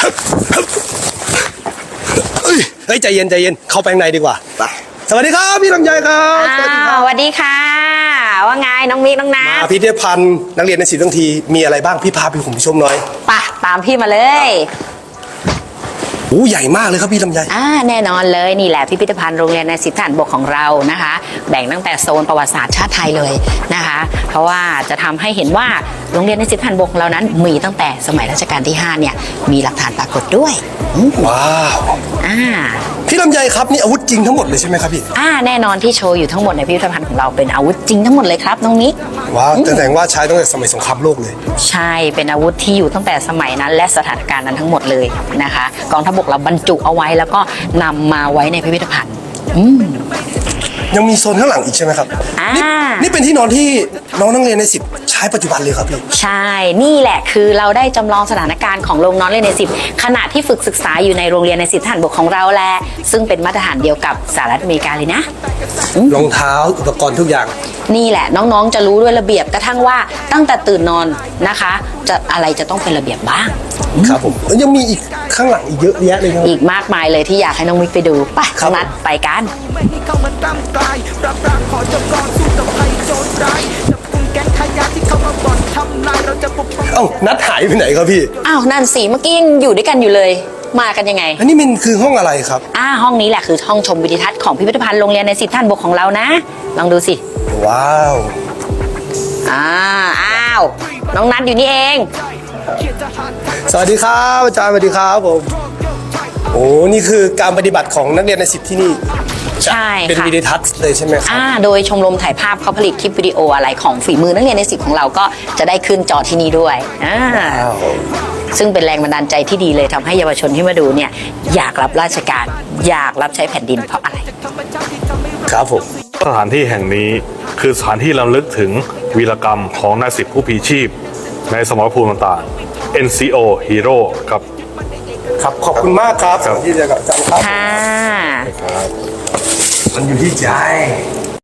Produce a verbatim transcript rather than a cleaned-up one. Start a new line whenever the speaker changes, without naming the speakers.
เฮ้ยเฮ้ยใจเย็นใจเย็นเข้าไปข้างในดีกว่าไปสวัสดีครับพี่ลำไยครับสวัสดีค
ส
รับ
วัสดีค่ะว่าไงน้องมิกน้องนั
มา
ท
พิพิธภัณฑ์นักเรียนในศิลป์ทั้งทีมีอะไรบ้างพี่พาไปผมชมหน่อย
ปะตามพี่มาเลย
โอ้ใหญ่มากเลยครับพี่ลำไย
อ่าแน่นอนเลยนี่แหละพิพิธภัณฑ์โรงเรียนในสิทธิฐานบกของเรานะคะ แบ่งตั้งแต่โซนประวัติศาสตร์ชาติไทยเลยนะคะ เพราะว่าจะทำให้เห็นว่าโรงเรียนในสิทธิฐานบกของเรานั้นมีตั้งแต่สมัยรัชกาลที่ห้าเนี่ยมีหลักฐานปรากฏด้วยอืม
ว้าว
อ่า
พี่ลำไยครับนี่อาวุธจริงทั้งหมดเลยใช่ไหมครับพี่
อ่าแน่นอนที่โชว์อยู่ทั้งหมดในพิพิธภัณฑ์ของเราเป็นอาวุธจริงทั้งหมดเลยครับน้องมิก
ว้าวแสดงว่าใช้ตั้งแต่สมัยสงครามโลกเลย
ใช่เป็นอาวุธที่อยู่ตั้งแต่สมัยนั้นและสถานการณ์นั้นทั้งหมดเลยนะคะกองทัพบกเราบรรจุเอาไว้แล้วก็นำมาไว้ในพิพิธภัณฑ์อืม
ยังมีโซนข้างหลังอีกใช่ไหมครับ
อ่านี่
นี่นี่เป็นที่นอนที่น้องนักเรียนในสิบใช้ปัจจุบันเลยครับพี่
ใช่นี่แหละคือเราได้จำลองสถานการณ์ของโรงนอนเรียนในสิบขณะที่ฝึกศึกษาอยู่ในโรงเรียนในสิบทหารบกของเราแหละซึ่งเป็นมาตรฐานเดียวกับสหรัฐอเมริกาเลยนะ
รองเท้าอุปกรณ์ทุกอย่าง
นี่แหละน้องๆจะรู้ด้วยระเบียบกระทั่งว่าตั้งแต่ตื่นนอนนะคะจะอะไรจะต้องเป็นระเบียบบ้าง
ครับผมแล้วยังมีอีกข้างหลังอีกเยอะแยะเลยครับ
อีกมากมายเลยที่อยากให้น้องมิกไปดูไป
ครับ
นัดไปกัน
ไม่ให้เข้ามาตามกลายปราบปรามขอจบก่อนสู้กับภัยโจรร้ายจับกุมแก๊งขายาที่เข้ามาบ่อนทำลายเราจะปกป้อง
เอ้านัดหายไปไหนครับพี่
อ้าวนั่นสิเมื่อกี้ยังอยู่ด้วยกันอยู่เลย มากันยังไง
อันนี้มันคือห้องอะไรครับ
อ่าห้องนี้แหละคือห้องชมวิดีทัศน์ของพิพิธภัณฑ์โรงเรียนในสิบท่านบกของเรานะ ลองดูสิ
ว้าว
อ่าอ้าวน้องนัดอยู่นี่เอง
สวัสดีครับอาจารย์สวัสดีครับผมโอ้นี่คือการปฏิบัติของนักเรียนในสิบที่นี่
ใช่
เป็น
ค่ะ
วิดีทัศน์เลยใช่ไหมครับ
อ่าโดยชมรมถ่ายภาพเขาผลิตคลิปวิดีโออะไรของฝีมือนักเรียนในสิบของเราก็จะได้ขึ้นจอที่นี่ด้วยอ่า
ว้าว
ซึ่งเป็นแรงบันดาลใจที่ดีเลยทำให้เยาวชนที่มาดูเนี่ยอยากรับราชการ อยากรับใช้แผ่นดินเพราะอะไร
ครับผม
สถานที่แห่งนี้คือสถานที่รำลึกถึงวีรกรรมของนายสิบผู้พลีชีพ ในสมรภูมิต่างๆ เอ็น ซี โอ Hero ครับ
ครับขอบคุณมากครับ
ครับ
ที่เจอกับอาจารย์ครับ
ค่ะ
มันอยู่ที่ใจ